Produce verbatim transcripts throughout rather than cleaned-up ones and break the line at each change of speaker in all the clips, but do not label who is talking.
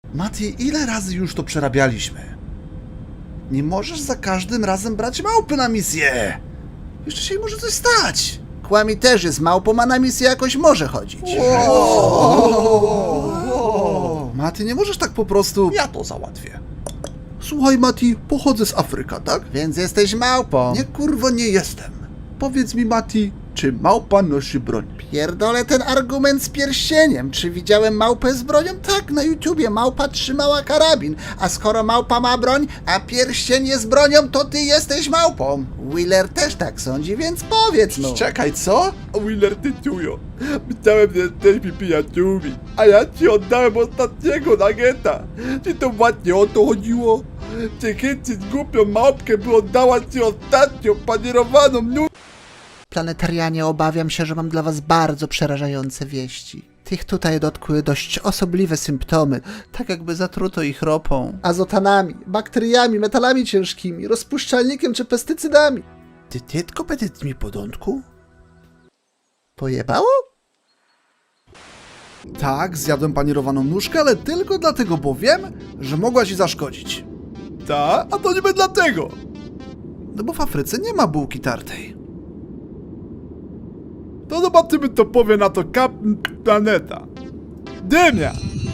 Mati, ile razy już to przerabialiśmy? Nie możesz za każdym razem brać małpy na misję! Jeszcze się jej może coś stać!
Kłami też jest małpą, a na misję jakoś może chodzić.
O, Mati, nie możesz tak po prostu...
Ja to załatwię.
Słuchaj, Mati, pochodzę z Afryka, tak?
Więc jesteś małpą.
Nie, kurwa, nie jestem. Powiedz mi, Mati, czy małpa nosi broń?
Pierdolę ten argument z pierścieniem. Czy widziałem małpę z bronią? Tak, na YouTubie małpa trzymała karabin. A skoro małpa ma broń, a pierścień jest bronią, to ty jesteś małpą. Wheeler też tak sądzi, więc powiedz mu.
Czekaj, co?
Wheeler, ty czujo. Myślałem, że jesteśmy przyjaciółmi, a ja ci oddałem ostatniego nageta. Czy to właśnie o to chodziło? Czy chycić głupią małpkę, by oddała ci ostatnią panierowaną nu...
Planetarianie, obawiam się, że mam dla was bardzo przerażające wieści. Tych tutaj dotkły dość osobliwe symptomy, tak jakby zatruto ich ropą, azotanami, bakteriami, metalami ciężkimi, rozpuszczalnikiem czy pestycydami.
Ty tylko petit mi podątku?
Pojebało?
Tak, zjadłem panierowaną nóżkę, ale tylko dlatego, bo wiem, że mogła ci zaszkodzić.
Ta? A to niby dlatego.
No bo w Afryce nie ma bułki tartej.
To zobaczymy, co powie na to Kapitan Planeta. Dymia!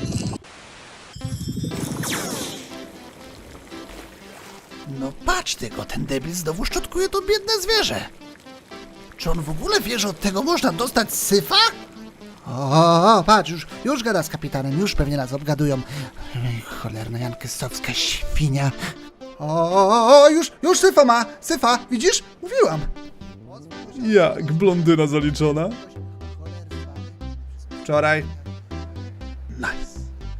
No patrz tylko, ten debil znowu szczotkuje to biedne zwierzę. Czy on w ogóle wie, że od tego można dostać syfa? O, o, patrz, już, już gada z kapitanem, już pewnie nas obgadują. Ej, cholerna jankystowska świnia. O, o, o, już, już syfa ma, syfa, widzisz? Mówiłam.
Jak blondyna zaliczona?
Wczoraj.
Nice.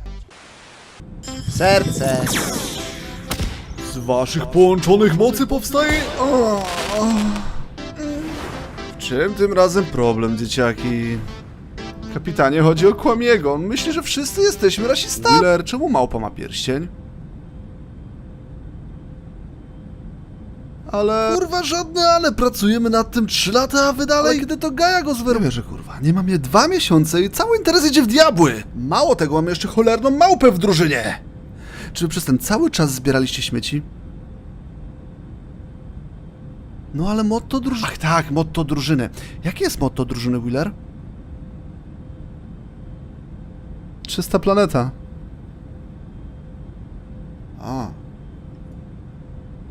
Serce.
Z waszych połączonych mocy powstaje... O, o.
W czym tym razem problem, dzieciaki? Kapitanie, chodzi o Kłamiego. On myśli, że wszyscy jesteśmy rasistami. Wheeler, czemu małpa ma pierścień? Ale... Kurwa, żadne ale. Pracujemy nad tym trzy lata, a wy dalej... Ale kiedy to Gaja go zweruje, że kurwa, nie mam je dwa miesiące i cały interes idzie w diabły. Mało tego, mamy jeszcze cholerną małpę w drużynie. Czy wy przez ten cały czas zbieraliście śmieci? No ale motto drużyny... Ach tak, motto drużyny. Jakie jest motto drużyny, Wheeler? Czysta planeta.